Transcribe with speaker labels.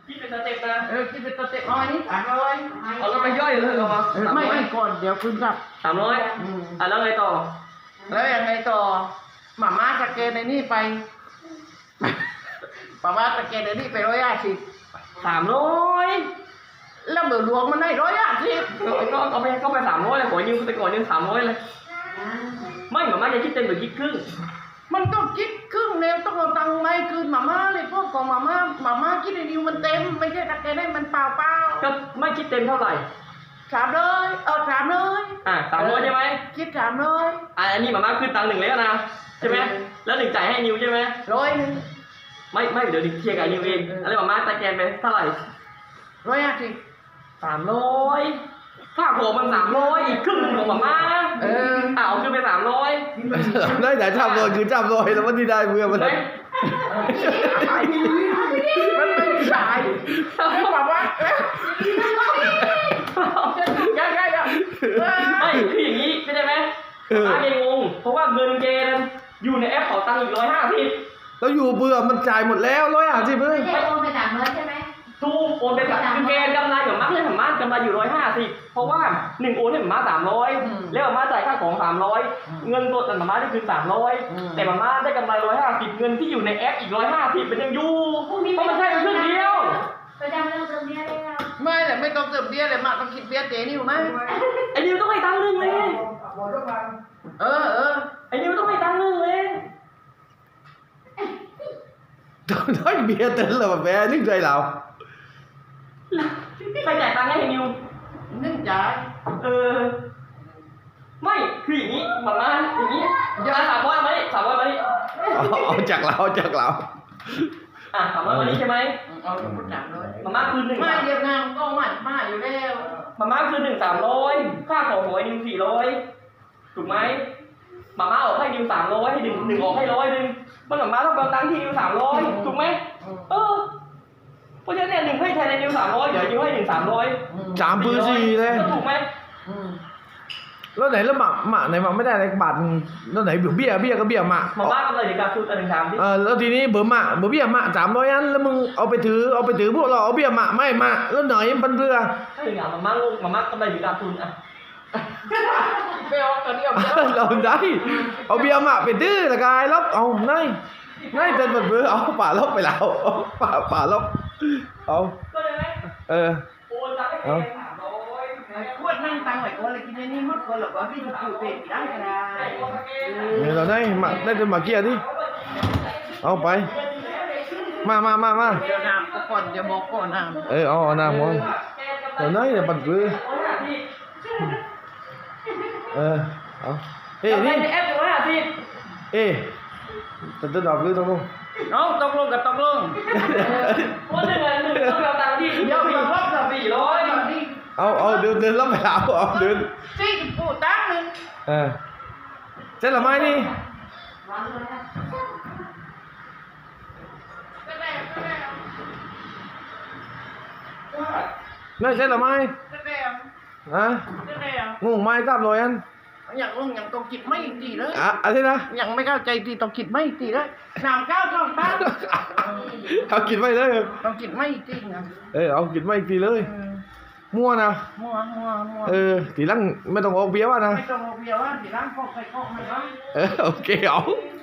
Speaker 1: คิดเป็นสเต็ปนะ
Speaker 2: คิดเป็นตัวเต็มน้อยนี่300
Speaker 1: เอาแล้วไปย่อยเลยเหรอ
Speaker 2: ไม่ก่อนเดี๋ยวคุณจับ
Speaker 1: 300แล้วไงต่อ
Speaker 2: แล้วยังไงต่อหม่าสแกนในนี่ไปหม่าสแกนในนี่ไป150
Speaker 1: 300
Speaker 2: แล้วเบอร์หลวงมันได้150
Speaker 1: ก็เอาไป300เลยขอยืมไปก่อนยืม300เลยไม่หมาจะคิดเต็มหรือคิดครึ่ง
Speaker 2: มันต้องคิดครึ่งแล้วต้องเอาตังค์ไม่คืนหม่าเลยพวกของหม่าคิดในนิวมันเต็มไม่ใช่สแกนได้มันเปล่า
Speaker 1: ก็ไม่คิดเต็มเท่าไหร่
Speaker 2: 300
Speaker 1: 300ใช่ไหม
Speaker 2: คิด300
Speaker 1: อันนี้หมาขึ้นตังค์1แล้วนะใช่ไหมแล้ว1จ่ายให้นิวใช่ไหม
Speaker 2: 100
Speaker 1: ไม่เดี๋ยวเคลียร์กับนิวเองอะไรหมาตะแกนไปเท่าไหร่
Speaker 2: 150
Speaker 1: 300ค่าของมัน300อีกครึ่งนึงของหมาเอาขึ้นไป300
Speaker 3: ได้แต่จับเลยคือจับเลยแล้วมันที่ได้เพื่อมัน
Speaker 2: มันไม่ใช่แบบว่ายังไงอ่ะ
Speaker 1: ไม่คืออย่างนี้เข้าใจไหมอาเกงงเพราะว่าเงินเกณฑ์อยู่ในแอปเป๋าตังค์อีก150
Speaker 3: แล้วอยู่เบื่อมันจ่ายหมดแล้ว150เลย
Speaker 4: ไม่โอนไป300ใช่ไหม
Speaker 1: ถูกโอนไปแบบคือเกณฑ์กำไรของมาร์คเนี่ยของมาร์คกำไรอยู่150เพราะว่า1โอนให้มาร์ค300แล้วมาร์คจ่ายค่าของ300เงินสดมาร์คได้คืน300แต่มาร์คได้กำไร150เงินที่อยู่ในแอปอีก150เป็นยังอยู่เพราะมันใช่เป็นครึ่งเดียว
Speaker 4: ไปจำเรื่องเติมเบี้ยได้แล้ว
Speaker 2: ไม่แต่ไม่ต้องเติมเบี้ยเลยมาต้องคิดเบี้ยเจนี่อยู่ไหม
Speaker 1: ไอ้นิวต้องให้ตังค์นึงเลยไอ้นิวต้องให้ตังค์นึงเลย
Speaker 3: ได้เบียร์เต็มเลยแบบแม่นึกใจเรา
Speaker 1: ใครจ่ายตังค์ให้นิว
Speaker 2: นึ่งจ่าย
Speaker 1: ไม่คืออย่างนี้มาม่าอย่างนี้300มาดิ300มาดิ
Speaker 3: เอาจากเรา
Speaker 1: 300มาดิใช่ไหม
Speaker 2: เอาพูดจับเลย
Speaker 1: มาม่าคืน1
Speaker 2: ไม่เดียวงานก็มาอยู่แล้ว
Speaker 1: มาม่าคืน1 300ค่าของหวยนิว400ถูกไหมมาม่าออกให้นิว300ให้1ออกให้100มันมาม่าต้องเอาตังค์ที่นิว300ถูกไหมเพราะฉะนั้นเนี่ย1ให้แทนในนิว300เดี๋ยวนิวให้1 300
Speaker 3: 3ปืน4เลย
Speaker 1: ถูกไหม
Speaker 3: แล้วไหนแล้วหมาไหนมาไม่ได้อะไรบาทแล้วไหนเบี้ยก็เบี้ยหมา
Speaker 1: ม่ากำไรเดี๋ยวการทุน1 3ที่
Speaker 3: แล้วทีนี้เบอร์เบี้ยหมา300อันแล้วมึงเอาไปถือพวกเราเอาเบี้ยหมาไม่มาแล้วไหนมันเพื่อ
Speaker 1: ใช่ไงม่ากำไรเดี๋ยวการทุน
Speaker 2: ไปเอาตัวนี้
Speaker 3: เราได้เอาเบี้ยหมาไปตื้อละกายลบเอาง่ายเต็มหมดเบอร์เอาป่าลบไปแล้วป่าลบเอา
Speaker 1: โอนตังค์ให้300
Speaker 2: ขวดนั่งตังค์ไหวคนเลยกินนี่มดคนหรอกว่าพี่จะอยู่เป็นได้ก็ได้
Speaker 3: เนี่ยเราได้จนมาเกียร์ดิเอาไปมา
Speaker 2: เดี๋ยวน้ำก่อนจะบอกก่อนน้ำ
Speaker 3: เอาน้ำก่อนเราได้เนี่ยปัดปื้อเอา
Speaker 1: นี่แอป
Speaker 3: จะดอกหรือต้องลง
Speaker 2: น้องตกลงกับตกลง
Speaker 1: ว่า1ต้องเอาตังค์ที่
Speaker 2: เดี๋ยวอีกรอบจะ
Speaker 1: 400
Speaker 3: เอาเดินรับไปเอาเดิน
Speaker 2: สี่ปูตั้งนึง
Speaker 3: เจ๊ละไม้นี่ไม่ใช่ละไม้งงไม้300อัน
Speaker 2: อย่างต้องคิดไม่ตีเลย
Speaker 3: อะไรนะ
Speaker 2: อย่างไม่เข้าใจตีต้องคิดไม่ตีเลยน้ำก้าวต้องตั้ง
Speaker 3: เอากินไม่เลย
Speaker 2: ต้องคิดไม่ตีนะ
Speaker 3: เอากินไม่ตีเลยมั่วนะทีหลังไม่ต้องเอาเบี้ยว่านะ
Speaker 2: ไม่ต้องเอาเบี้ยว่าทีหลังพอใครก็ไม่ว่า
Speaker 3: โอเคเอา